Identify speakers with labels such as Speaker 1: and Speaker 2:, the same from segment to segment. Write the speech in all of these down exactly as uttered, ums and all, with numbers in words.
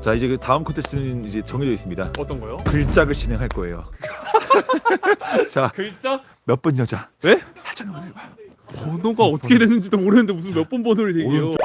Speaker 1: 자 이제 그 다음 콘테스트는 이제 정해져 있습니다.
Speaker 2: 어떤 거요?
Speaker 1: 글짝을 진행할 거예요. 자
Speaker 2: 글자?
Speaker 1: 몇 번 여자?
Speaker 2: 네?
Speaker 1: 살짝 한번 해봐.
Speaker 2: 번호가 어떻게 되는지도 모르는데 무슨 몇 번 번호를 얘기해요.
Speaker 1: 오른쪽.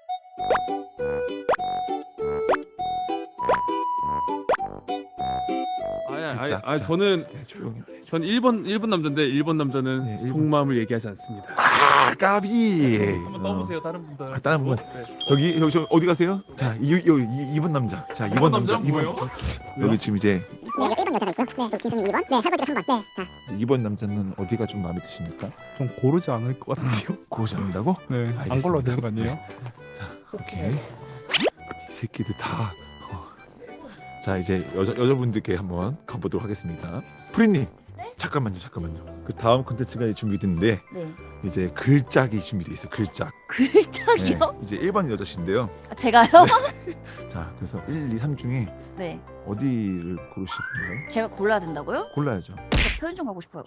Speaker 2: 아니 아니
Speaker 1: 글자,
Speaker 2: 아니
Speaker 1: 자.
Speaker 2: 저는
Speaker 1: 네, 조용히 해.
Speaker 2: 전 일 번 일 번 남자인데 일 번 남자는
Speaker 1: 네, 일 번.
Speaker 2: 속마음을 얘기하지 않습니다.
Speaker 1: 아 까비.
Speaker 2: 한번 떠보세요 다른 분들.
Speaker 1: 아, 다른 분.
Speaker 2: 네.
Speaker 1: 저기 여기 저 어디 가세요? 자 이 이 이 번 남자. 자 이 번 남자. 이 번.
Speaker 2: 뭐예요?
Speaker 1: 여기 지금 이제
Speaker 3: 네, 여기 일 번 여자가 있고요. 네, 저기 김선님 이 번. 네, 설거지가 삼 번. 네, 자.
Speaker 1: 이 번 남자는 어디가 좀 마음에 드십니까?
Speaker 2: 좀 고르지 않을 것 같은데요.
Speaker 1: 고르지 않는다고?
Speaker 2: 네,
Speaker 1: 알겠습니다.
Speaker 2: 안 걸러도 되는 거 아니에요?
Speaker 1: 자 오케이. 이 새끼들 다. 어. 자 이제 여자 여자분들께 한번 가보도록 하겠습니다. 프리님. 잠깐만요, 잠깐만요. 그 다음 콘텐츠가 준비됐는데
Speaker 4: 네.
Speaker 1: 이제 글짝이 준비돼 있어. 글짝.
Speaker 4: 글짝이요?
Speaker 1: 네, 이제 일 번 여자신데요.
Speaker 4: 아, 제가요?
Speaker 1: 자 그래서 일, 이, 삼 중에
Speaker 4: 네.
Speaker 1: 어디를 고르실 건가요?
Speaker 4: 제가 골라야 된다고요?
Speaker 1: 골라야죠.
Speaker 4: 저 표현 좀 가고 싶어요.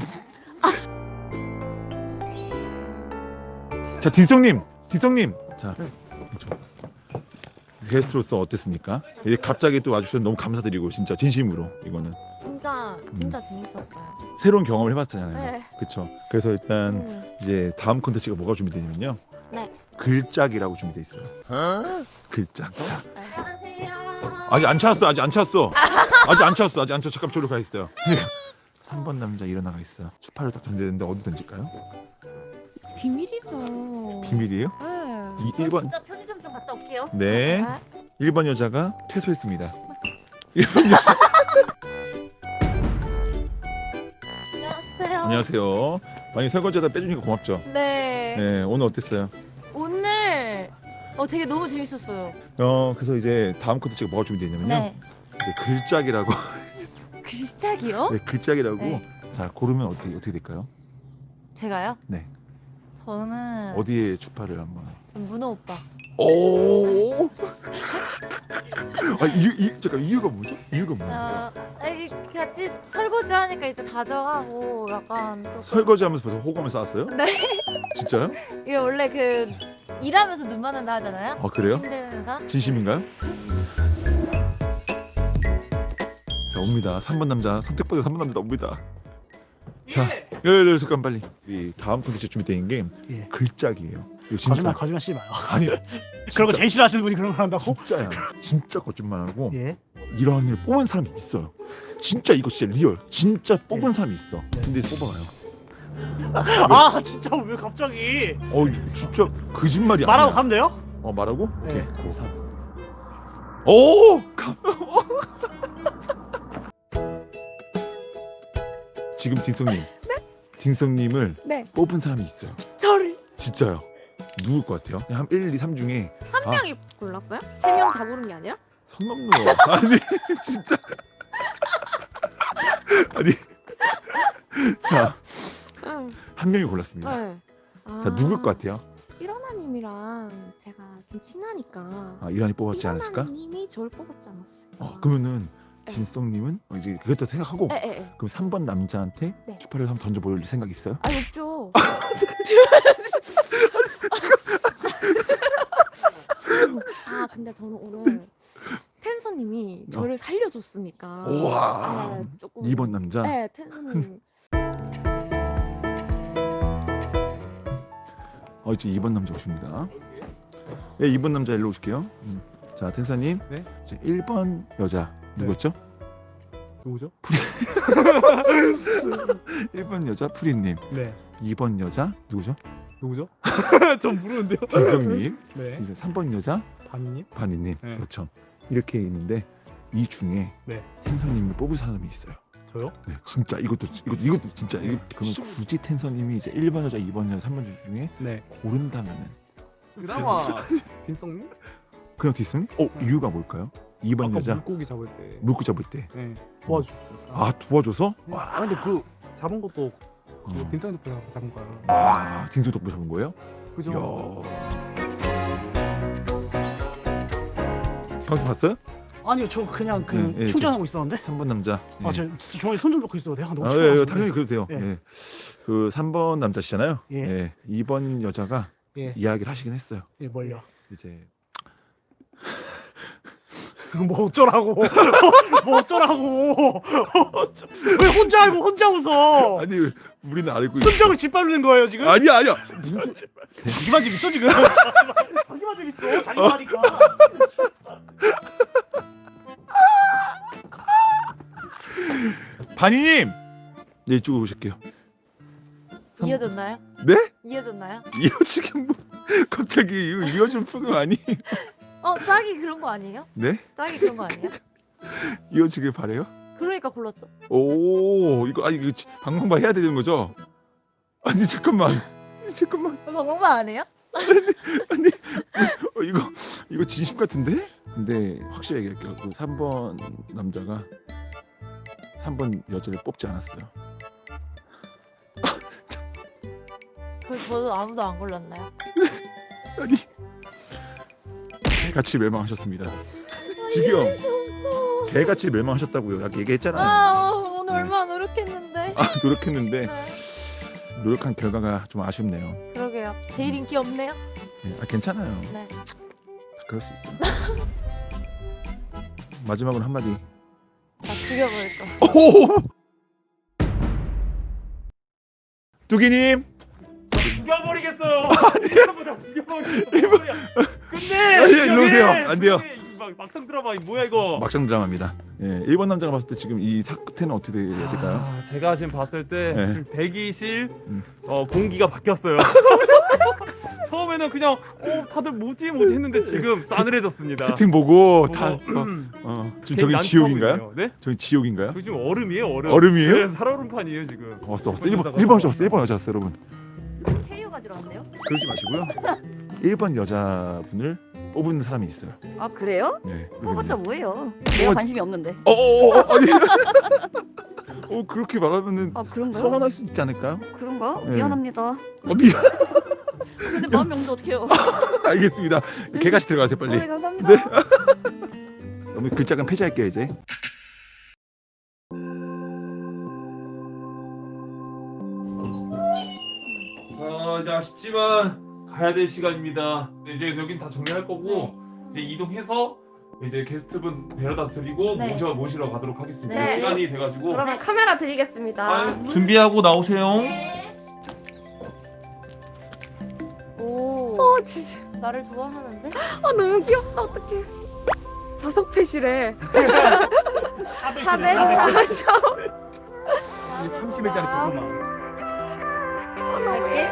Speaker 1: 자 딘성님, 딘성님. 자 좀. 게스트로서 어땠습니까? 이제 갑자기 또 와주셔서 너무 감사드리고 진짜 진심으로 이거는
Speaker 5: 진짜 진짜 재밌었어요.
Speaker 1: 새로운 경험을 해봤잖아요.
Speaker 5: 네.
Speaker 1: 그렇죠. 그래서 일단
Speaker 5: 음.
Speaker 1: 이제 다음 콘텐츠가 뭐가 준비되냐면요.
Speaker 5: 네.
Speaker 1: 글짝이라고 준비돼 있어요. 글짝. 자,
Speaker 5: 안녕하세요.
Speaker 1: 아직 안 찾았어. 아직 안 찾았어. 아직 안 찾았어. 아직 안 찾았어. 잠깐 저로 가 있어요. 삼 번 남자 일어나가 있어요. 추파를 딱 던지는데 어디 던질까요?
Speaker 5: 비밀이죠.
Speaker 1: 비밀이에요?
Speaker 5: 네.
Speaker 1: 이 일 번.
Speaker 4: 진짜 편의점 좀 갔다 올게요.
Speaker 1: 네. 일 번 여자가 퇴소했습니다. 일 번 여자.
Speaker 5: 안녕하세요.
Speaker 1: 안녕하세요. 많이 설거지하다 빼주니까 고맙죠.
Speaker 5: 네.
Speaker 1: 네, 오늘 어땠어요?
Speaker 5: 오늘 어 되게 너무 재밌었어요.
Speaker 1: 어, 그래서 이제 다음 콘텐츠가 뭐가 준비되냐면요.
Speaker 5: 네.
Speaker 1: 이제 글짝이라고.
Speaker 5: 글짝이요?
Speaker 1: 네, 글짝이라고.
Speaker 5: 네.
Speaker 1: 자, 고르면 어떻게 어떻게 될까요?
Speaker 5: 제가요?
Speaker 1: 네.
Speaker 5: 저는
Speaker 1: 어디에 추파를 한번.
Speaker 5: 전 문어 오빠.
Speaker 1: 오. 아, 이유 이 잠깐 이유가 뭐죠? 이유가 뭐예요?
Speaker 5: 어, 아이, 같이 설거지 하니까 이제 다정하고 약간 조금
Speaker 1: 설거지하면서 벌써 호감을 쌓았어요?
Speaker 5: 네.
Speaker 1: 진짜요?
Speaker 5: 이게 원래 그 일하면서 눈 맞는다 하잖아요.
Speaker 1: 아, 그래요?
Speaker 5: 힘들면서.
Speaker 1: 진심인가요? 자, 옵니다. 삼 번 남자 선택받은 삼 번 남자 옵니다. 자, 예, 예, 잠깐 빨리. 이 다음 콘텐츠 준비되어 있는 게
Speaker 6: 예.
Speaker 1: 글짝이에요. 이거 진짜
Speaker 6: 거짓말 거짓말 씨 마요.
Speaker 1: 아니
Speaker 6: 그런 거 제일 싫어하시는 분이 그런 걸 한다고?
Speaker 1: 진짜야. 진짜 거짓말하고
Speaker 6: 예.
Speaker 1: 이런 일 뽑은 사람이 있어요. 진짜 이거 진짜 리얼. 진짜 뽑은
Speaker 6: 예.
Speaker 1: 사람이 있어.
Speaker 6: 네.
Speaker 1: 근데 뽑아가요.
Speaker 6: 아 진짜 왜 갑자기
Speaker 1: 어 진짜 거짓말이 아니야.
Speaker 6: 말하고 가면 돼요?
Speaker 1: 어 말하고?
Speaker 6: 네.
Speaker 1: 오케이. 고 삼. 오! 가- 지금 딘성님. 네? 딘성님을
Speaker 5: 네.
Speaker 1: 뽑은 사람이 있어요.
Speaker 5: 저를
Speaker 1: 진짜요. 누굴 것 같아요? 그냥 한 일, 이, 삼 중에
Speaker 5: 한
Speaker 1: 아.
Speaker 5: 명이 골랐어요? 세 명 다 고른 게 아니라?
Speaker 1: 선 넘는 거. 아니 진짜. 아니. 자,
Speaker 5: 응.
Speaker 1: 한 명이 골랐습니다.
Speaker 5: 네.
Speaker 1: 자, 누굴 것 같아요?
Speaker 5: 일어나님이랑 제가 좀 친하니까.
Speaker 1: 아, 이란이 뽑았지 않았을까?
Speaker 5: 일어나님이 저를 뽑았지 않았어요.
Speaker 1: 어, 그러면은
Speaker 5: 네.
Speaker 1: 진성님은 어, 이제 그것도 생각하고
Speaker 5: 에에에.
Speaker 1: 그럼 삼 번 남자한테
Speaker 5: 네.
Speaker 1: 추파를 한번 던져볼 생각 있어요?
Speaker 5: 아 없죠. 아 근데 저는 오늘 텐서님이 저를 살려줬으니까.
Speaker 1: 우와.
Speaker 5: 네, 조금.
Speaker 1: 이 번 남자.
Speaker 5: 네 텐서님.
Speaker 1: 어 이제 이 번 남자 오십니다. 네, 이 번 남자 일로 오실게요. 음. 자, 텐사님.
Speaker 2: 네?
Speaker 1: 이제 일 번 여자 누구였죠?
Speaker 2: 누구죠?
Speaker 1: 일 번 여자 프리님.
Speaker 2: 네.
Speaker 1: 이 번 여자 누구죠?
Speaker 2: 누구죠? 전 모르는데요.
Speaker 1: 진성님.
Speaker 2: 네.
Speaker 1: 이제 삼 번 여자
Speaker 2: 반님?
Speaker 1: 바니님.
Speaker 2: 네.
Speaker 1: 그렇죠. 이렇게 있는데 이 중에
Speaker 2: 네.
Speaker 1: 텐서님을 뽑을 사람이 있어요.
Speaker 2: 저요?
Speaker 1: 네, 진짜 이것도 이거 이것도 진짜 이거 그러면 굳이 텐서님이 이제 일 번 여자, 이 번 여자, 삼 번 여자 중에
Speaker 2: 네.
Speaker 1: 고른다면은
Speaker 2: 그나마 딘성님?
Speaker 1: 그냥 뒷선? 어 이유가 뭘까요? 이 번
Speaker 2: 아까
Speaker 1: 여자
Speaker 2: 물고기 잡을 때.
Speaker 1: 물고 잡을 때.
Speaker 2: 네. 도와주셨어요.
Speaker 1: 아 도와줘서?
Speaker 2: 아 근데 그 잡은 것도 그
Speaker 1: 어.
Speaker 2: 딘성 덕분에 잡은 거예요.
Speaker 1: 아 딘성 덕분 잡은 거예요?
Speaker 2: 그죠?
Speaker 1: 이야. 방송 봤어요?
Speaker 6: 아니요 저 그냥 그
Speaker 1: 네, 예,
Speaker 6: 충전하고 있었는데.
Speaker 1: 삼 번 남자. 예.
Speaker 6: 아저 주머니 손 좀 놓고 있어도 돼요? 너무
Speaker 1: 아,
Speaker 6: 추워가지고.
Speaker 1: 예, 예, 당연히 그래도 돼요.
Speaker 6: 예.
Speaker 1: 예. 그 삼 번 남자시잖아요.
Speaker 6: 예.
Speaker 1: 예. 이 번 여자가
Speaker 6: 예.
Speaker 1: 이야기를 하시긴 했어요.
Speaker 6: 예 뭘요?
Speaker 1: 이제
Speaker 6: 뭐 어쩌라고? 뭐 어쩌라고? 왜 혼자 알고 혼자 웃어?
Speaker 1: 아니 우리는 알고 있...
Speaker 6: 순정을 짓밟는 거예요 지금?
Speaker 1: 아니야 아니야.
Speaker 6: 자기만 재밌어 지금? 자기만 재밌어. 자기만 하니까.
Speaker 1: 바니님, 네 이쪽으로 오실게요.
Speaker 5: 이어졌나요?
Speaker 1: 네?
Speaker 5: 이어졌나요?
Speaker 1: 이어지긴 뭐 갑자기 이거 이어진 프로그램 아니?
Speaker 5: 어 짝이 그런 거 아니에요?
Speaker 1: 네?
Speaker 5: 짝이 그런 거 아니에요?
Speaker 1: 이어지길 바래요?
Speaker 5: 그러니까 골랐죠.
Speaker 1: 오 이거 아니 이거 지- 방송바 해야 되는 거죠? 아니 잠깐만 잠깐만
Speaker 5: 방송만 안 해요?
Speaker 1: 어, 이거 이거 진심 같은데? 근데 확실히 얘기할게요. 그 삼 번 남자가 삼 번 여자를 뽑지 않았어요.
Speaker 5: 그 저도 아무도 안 골랐나요?
Speaker 1: 아니 개같이 멸망하셨습니다. 지금 개같이 멸망하셨다고요. 아까 얘기했잖아요.
Speaker 5: 아 오늘
Speaker 1: 네.
Speaker 5: 얼마나 노력했는데.
Speaker 1: 아 노력했는데
Speaker 5: 네.
Speaker 1: 노력한 결과가 좀 아쉽네요.
Speaker 5: 그러게요. 제일 인기 없네요.
Speaker 1: 네, 아 괜찮아요.
Speaker 5: 네.
Speaker 1: 다 그럴 수 있어요. 마지막으로 한마디.
Speaker 5: 다 죽여버릴 거.
Speaker 1: 오! 뚜기님.
Speaker 2: 죽여버리겠어요. 전부 다 죽여버리겠어. 끝내.
Speaker 1: 아니, 일로 오세요. 안 돼요.
Speaker 2: 막 막상 들어봐. 이 뭐야 이거.
Speaker 1: 막상 드라마입니다. 예, 일본 남자가 봤을 때 지금 이 사태는 어떻게 해야 될까요?
Speaker 2: 아, 제가 지금 봤을 때
Speaker 1: 네.
Speaker 2: 지금 대기실
Speaker 1: 음.
Speaker 2: 어, 공기가 바뀌었어요. 처음에는 그냥 어 다들 뭐지 뭐지 했는데 지금 싸늘해졌습니다.
Speaker 1: 채팅 보고
Speaker 2: 보고,
Speaker 1: 다 어,
Speaker 2: 음,
Speaker 1: 어, 지금
Speaker 2: 괜히
Speaker 1: 저기
Speaker 2: 난처하고
Speaker 1: 지옥인가요?
Speaker 2: 있네요. 네?
Speaker 1: 저기 지옥인가요?
Speaker 2: 저 지금 얼음이에요 얼음.
Speaker 1: 얼음이에요?
Speaker 2: 네, 살얼음판이에요 지금.
Speaker 1: 어, 왔어 왔어. 일본 일본 여자 왔어. 일본 여자 왔어, 여러분.
Speaker 4: 페이어 가지러 왔네요.
Speaker 1: 그러지 마시고요. 일본 여자분을 뽑은 사람이 있어요.
Speaker 4: 아 그래요?
Speaker 1: 네.
Speaker 4: 뽑았자 뭐예요? 내가 관심이 없는데.
Speaker 1: 어, 어, 어, 아니. 어 그렇게 말하면은
Speaker 4: 아 그런가요?
Speaker 1: 서운할 수 있지 않을까요?
Speaker 4: 그런가?
Speaker 1: 네.
Speaker 4: 미안합니다.
Speaker 1: 어, 미안.
Speaker 4: 근데 마음이 없는데 어떡해요?
Speaker 1: 알겠습니다. 개같이 들어가세요 빨리.
Speaker 4: 어, 네, 감사합니다.
Speaker 1: 네. 너무 글자간 폐지할게요 이제.
Speaker 2: 어, 이제 아쉽지만 가야 될 시간입니다. 네, 이제 여긴 다 정리할 거고 이제 이동해서 이제 게스트분 데려다 드리고
Speaker 5: 네.
Speaker 2: 모셔 모시러 가도록 하겠습니다.
Speaker 5: 네.
Speaker 2: 시간이 돼가지고
Speaker 7: 그러면 카메라 드리겠습니다.
Speaker 2: 아, 준비하고 나오세요.
Speaker 5: 오.
Speaker 7: 어, 진짜.
Speaker 5: 나를 좋아하는데?
Speaker 7: 아, 너무 귀엽다. 어떡해. 자석 펫이래.
Speaker 6: 샤베
Speaker 7: 사백
Speaker 6: 샤베.
Speaker 7: 사십.
Speaker 2: 삼십 일짜리 조금만.
Speaker 5: 갈게.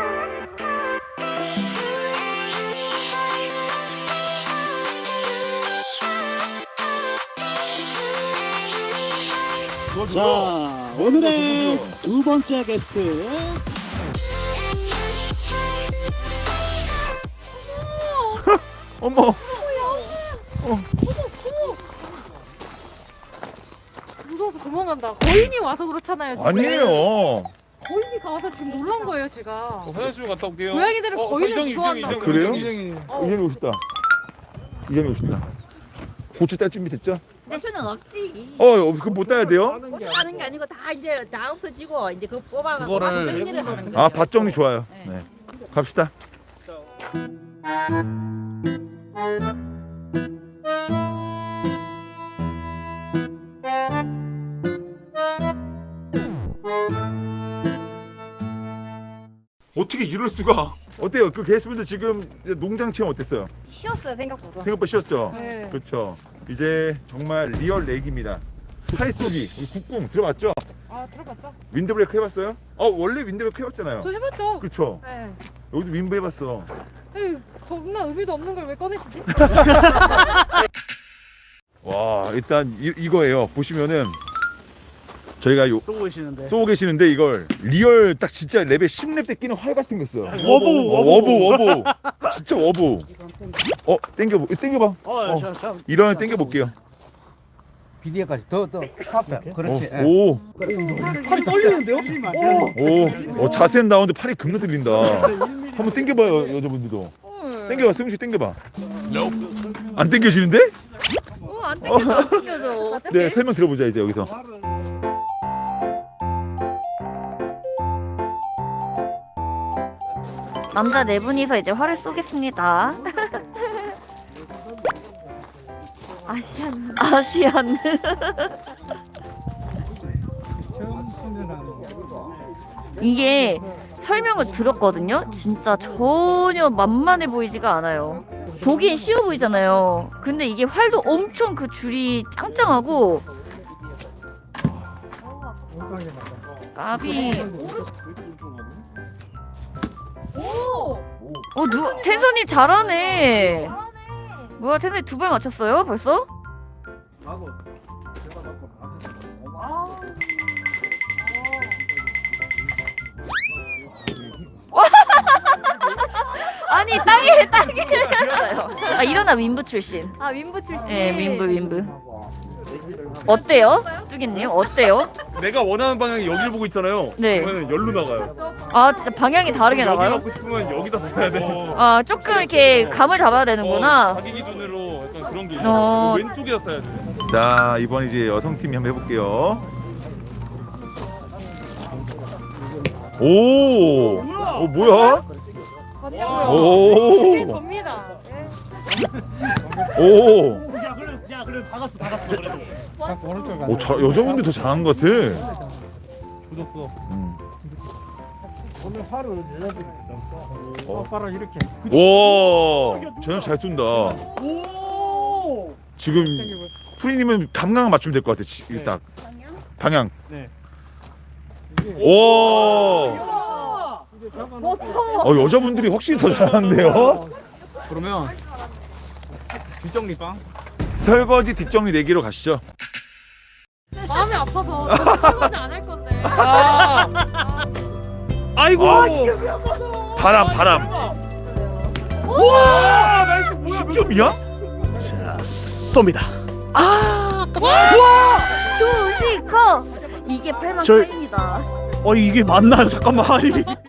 Speaker 6: 자 오늘의 두 번째 게스트
Speaker 1: 어머.
Speaker 7: 무서워서 도망간다. 거인이 와서 그렇잖아요. 지금.
Speaker 1: 아니에요.
Speaker 7: 거인이 가서 지금 놀란 거예요, 제가.
Speaker 2: 화장실 갔다 올게요.
Speaker 7: 고양이들은 거인을 무서워한다.
Speaker 1: 아, 그래요?
Speaker 7: 어.
Speaker 1: 이현이 오셨다. 이현이 오신다. 고추 딸 준비 됐죠?
Speaker 8: 고추는 없지.
Speaker 1: 어, 그거 못 따야 돼요?
Speaker 8: 고추 하는 게 아니고 다 이제 다 없어지고 이제 그거 뽑아가지고
Speaker 2: 그거를
Speaker 8: 밭 정리를 하는 거예요.
Speaker 1: 아, 밭 정리 좋아요. 네. 갑시다. 어떻게 이럴 수가? 어때요? 그 게스트분들 지금 농장 체험 어땠어요?
Speaker 4: 쉬었어요 생각보다.
Speaker 1: 생각보다 쉬웠죠?
Speaker 7: 네.
Speaker 1: 그렇죠. 이제 정말 리얼 렉입니다. 팔 쏘기, 우리 국궁 들어봤죠?
Speaker 7: 아, 들어봤죠?
Speaker 1: 윈드브레이크 해봤어요? 어, 원래 윈드브레이크 해봤잖아요.
Speaker 7: 저 해봤죠?
Speaker 1: 그렇죠.
Speaker 7: 네.
Speaker 1: 여기도 윈브 해봤어.
Speaker 7: 에이, 겁나 의미도 없는 걸 왜 꺼내시지?
Speaker 1: 와, 일단 이, 이거예요. 보시면은 저희가 요
Speaker 6: 쏘고 계시는데
Speaker 1: 쏘고 계시는데 이걸 리얼 딱 진짜 레벨 십 렙 때 끼는 활 같은 거 있어요.
Speaker 6: 워보,
Speaker 1: 어, 워보 워보 진짜 워보. 어 땡겨 땡겨봐.
Speaker 6: 어, 저, 저,
Speaker 1: 이런 땡겨 볼게요.
Speaker 9: 비디오까지 더더 카페 그렇지. 예.
Speaker 1: 오,
Speaker 6: 팔이 떨리는데요?
Speaker 1: 오, 오, 자세는 나오는데 팔이 겁나 들린다. 한번 땡겨봐요 여자분들도. 땡겨봐, 승우 씨 땡겨봐. 안 땡겨지는데?
Speaker 7: 어, 안 땡겨져, 안 땡겨져.
Speaker 1: 네, 설명 들어보자 이제 여기서.
Speaker 4: 남자 네 분이서 이제 활을 쏘겠습니다.
Speaker 7: 아시안.
Speaker 4: 아시안. 이게 설명을 들었거든요. 진짜 전혀 만만해 보이지가 않아요. 보기엔 쉬워 보이잖아요. 근데 이게 활도 엄청 그 줄이 짱짱하고. 까비. 어, 누 텐서님 잘하네. 뭐야, 텐서님 두 발 맞췄어요? 벌써? 아니 땅에 땅에. 아 일어나 윈부 출신.
Speaker 7: 아 윈부 출신.
Speaker 4: 네 윈부 윈부. 어때요, 뚜기님? 어때요?
Speaker 6: 내가 원하는 방향이 여기를 보고 있잖아요.
Speaker 4: 네.
Speaker 6: 그러면 열로 나가요.
Speaker 4: 아 진짜 방향이 다르게
Speaker 6: 여기
Speaker 4: 나가요?
Speaker 6: 갖고 싶으면 여기다 써야 돼.
Speaker 4: 아 조금 이렇게 감을 잡아야
Speaker 6: 어,
Speaker 4: 되는구나.
Speaker 6: 자기 기준으로 약간 그런 게
Speaker 4: 어.
Speaker 6: 있어요. 왼쪽에다 써야 돼.
Speaker 1: 자 이번 이제 여성팀이 한번 해볼게요. 오, 오 뭐야? 오,
Speaker 7: 접니다.
Speaker 1: 오,
Speaker 6: 야 그래, 야 그래, 박았어, 박았어 그래도.
Speaker 1: 오, 자, 여자분들 더 잘한 것 같아.
Speaker 6: 굳었어.
Speaker 1: 음.
Speaker 9: 오늘 팔을 여자들이
Speaker 1: 어.
Speaker 9: 팔을 이렇게.
Speaker 1: 와, 쟤는 잘 쏜다.
Speaker 6: 오.
Speaker 1: 지금 프리님은 감각을 맞추면 될 것 같아. 지- 이게 딱 방향.
Speaker 6: 네.
Speaker 1: 오, 어 여자분들이 확실히 더 잘하는데요.
Speaker 6: 그러면 뒷정리 빵.
Speaker 1: 설거지 뒷정리 내기로 가시죠.
Speaker 7: 마음이 아파서 설거지 안 할 건데.
Speaker 6: 아. 아이고.
Speaker 1: 아, 바람 바람.
Speaker 6: 와, 나이스 뭐야?
Speaker 1: 십 점이야?
Speaker 6: 자, 쏩니다.
Speaker 4: 조시커 이게 팔만
Speaker 6: 저-
Speaker 4: 차입니다.
Speaker 6: 어 이게 맞나요? 잠깐만. 아니.